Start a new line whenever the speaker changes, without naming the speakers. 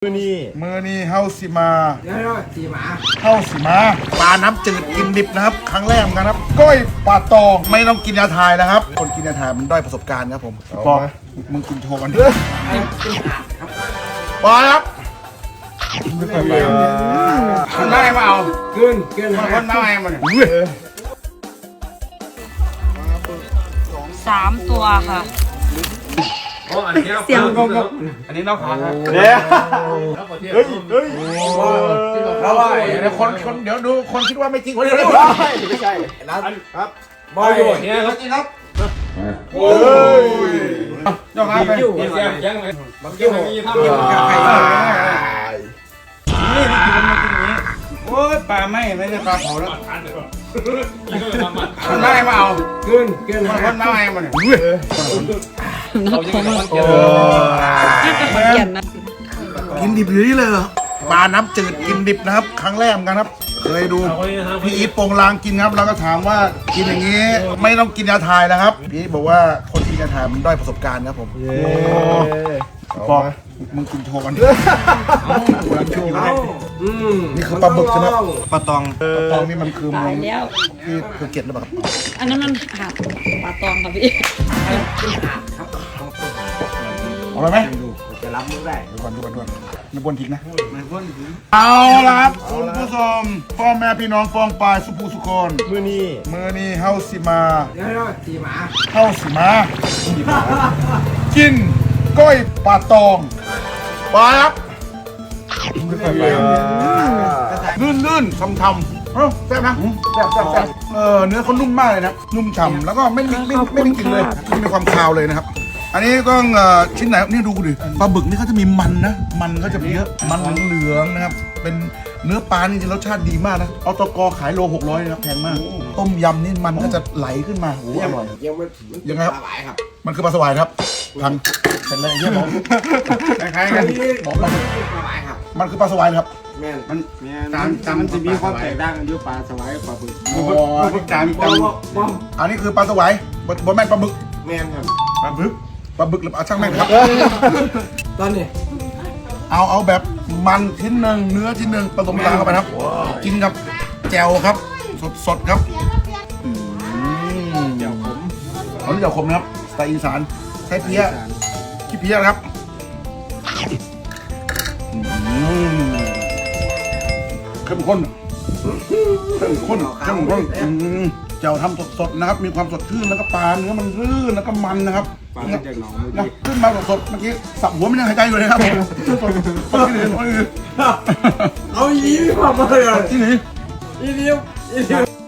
มือนี่เฮาสิมาปลาน้ำจืดกินดิบนะครับครั้งแรกเหมือนกันครับก้อยปลาตองไม่ต้องกินยาทายนะครับคนกินยาทายมันด้อยประสบการณ์ครับผมบอกมึงกินโชว์กันปลาครับคนได้มาเอาขึ้นคนมาเอามัน
3 ตัวค่ะ
เสียงงงอันนี้น้องขาครับเฮ้ยแล้วว่าเดี๋ยวคนเดี๋ยวดูคนคิดว่าไม่จริงคนเดียวไม่ใช่นะครับบอยอยู่เนี่ยครับจริงครับโอ้ยยอมรับไปยังไงบางทีผมมีภาพอยู่กับใครนี่กินมันกินอย่างนี้โอ้ยปลาไม่ได้ปลาเผาแล้วคนได้มาเอาขึ้นคนมาเอามันกินดิบอยู่นี่เลยเหรอปลาน้ำจืดกินดิบนะครับครั้งแรกเหมือนกันครับเคยดูพี่อีทโปงลางกินครับแล้วก็ถามว่ากินอย่างนี้ไม่ต้องกินยาทายนะครับพี่อีทบอกว่าคนกินยาทายมันด้อยประสบการณ์ครับผมบอกมึงกินโชว์กันนี่คือปลาบึกใช่ไหมปลาตองนี่มันคือมึงที่ภูเก็ตหรือเปล่า
อันนั้นมันหาดปลาตองค่ะพี่
เอาไปไหมจะรับมือได้ดูก่อนไม่บนทิ้งนะเอาละครับคุณผู้ชมพ่อแม่พี่น้องฟองปลายสุภูสุคนมือนี่เฮาสิมากินก้อยปลาตองปลาครับลื่นๆทำๆแซ่บนะแซ่บเนื้อเขานุ่มมากเลยนะนุ่มฉ่ำแล้วก็ไม่ได้กลิ่นเลยไม่มีความคาวเลยนะครับอันนี้ก็ชิ้นไหนนี่ดูดิปลาบึกนี่เขาจะมีมันนะมันเขาจะเยอะมันเหลืองนะครับเป็นเนื้อปลานี่รสชาติดีมากนะเอาตกขายโล600นะครับแพงมากต้มยำนี่มันก็จะไหลขึ้นมาโอ้อร่อยยังไงครับมันคือปลาสวายครับทางเป็นอะไรเงี้ยบอกคล้ายๆกันบอกปลาสวายครับมันคือปลาสวายครับมันจะมีความแตกต่างกันอยู่ปลาสวายกับปลาบึกอันนี้คือปลาสวายบะแม่นปลาบึกแม่นครับปลาบึกหรือปลาช่างแม่งครับตอนนี้เอาแบบมันชิ้นหนึ่งเนื้อชิ้นหนึ่งผสมกันเข้าไปครับกินกับแจ่วครับสดครับแจ่วขมเขาเรียกแจ่วขมนะครับสไตล์อีสานใช้เพี้ยขี้เพี้ยนะครับเข้มข้นแจ่วทำสดๆนะครับมีความสดชื่นแล้วก็ปลาเนื้อมันรื่นแล้วก็มันนะครับปลาจากหนองนะขึ้นมาสดๆเมื่อกี้สับหัวมันยังหายใจอยู่เลยครับผมเอาอีกความมาเลยที่ไหนอีเดียว